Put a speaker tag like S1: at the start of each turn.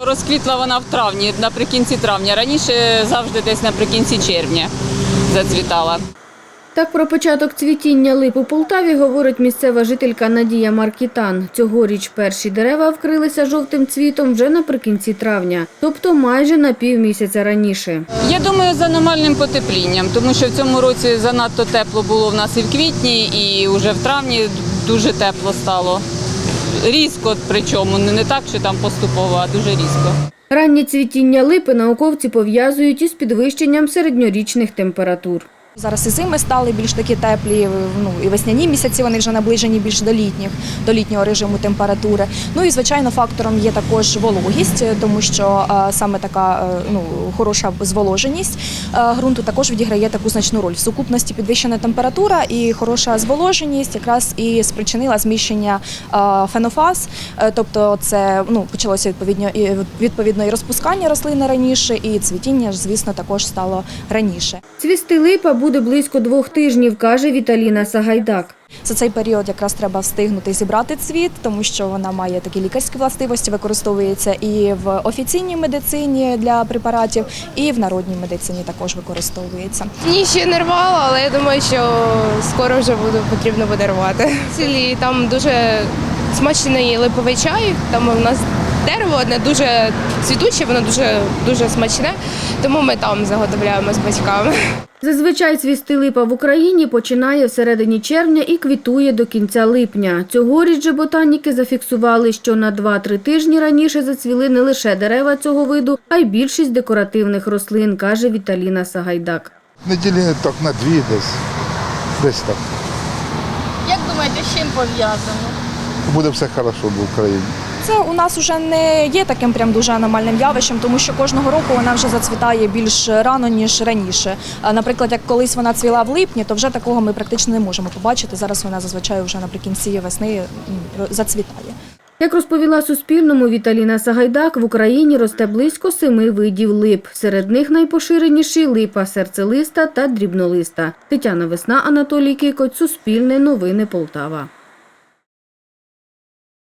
S1: Розквітла вона в травні, наприкінці травня. Раніше завжди десь наприкінці червня зацвітала.
S2: Так про початок цвітіння лип у Полтаві говорить місцева жителька Надія Маркітан. Цьогоріч перші дерева вкрилися жовтим цвітом вже наприкінці травня, тобто майже на півмісяця раніше.
S1: Я думаю, з аномальним потеплінням, тому що в цьому році занадто тепло було в нас і в квітні, і вже в травні дуже тепло стало. Різко, причому не так, що там поступово, а дуже різко.
S2: Раннє цвітіння липи науковці пов'язують із підвищенням середньорічних температур.
S3: Зараз і зими стали більш такі теплі, і весняні місяці вони вже наближені більш до літнього режиму температури. Ну і, звичайно, фактором є також вологість, тому що саме така хороша зволоженість ґрунту також відіграє таку значну роль. В сукупності підвищена температура і хороша зволоженість якраз і спричинила зміщення фенофаз, тобто це почалося відповідно і розпускання рослини раніше, і цвітіння, звісно, також стало раніше.
S2: Цвісти липа буде близько 2 тижнів, каже Віталіна Сагайдак.
S3: За цей період якраз треба встигнути зібрати цвіт, тому що вона має такі лікарські властивості, використовується і в офіційній медицині для препаратів, і в народній медицині також використовується.
S4: Ні, ще не рвала, але я думаю, що скоро вже потрібно буде рвати. В селі там дуже смачний липовий чай, там у нас дерево одне дуже цвітуче, воно дуже смачне, тому ми там заготовляємо з батьками.
S2: Зазвичай цвісти липа в Україні починає в середині червня і квітує до кінця липня. Цьогоріч же ботаніки зафіксували, що на 2-3 тижні раніше зацвіли не лише дерева цього виду, а й більшість декоративних рослин, каже Віталіна Сагайдак.
S5: Неділі так на 2 десь так.
S6: Як думаєте, з чим пов'язано?
S5: Буде все добре в Україні.
S3: Це у нас вже не є таким прям дуже аномальним явищем, тому що кожного року вона вже зацвітає більш рано, ніж раніше. Наприклад, як колись вона цвіла в липні, то вже такого ми практично не можемо побачити. Зараз вона зазвичай вже наприкінці весни зацвітає.
S2: Як розповіла Суспільному Віталіна Сагайдак, в Україні росте близько 7 видів лип. Серед них найпоширеніші – липа серцелиста та дрібнолиста. Тетяна Весна, Анатолій Кикоть, Суспільне новини Полтава.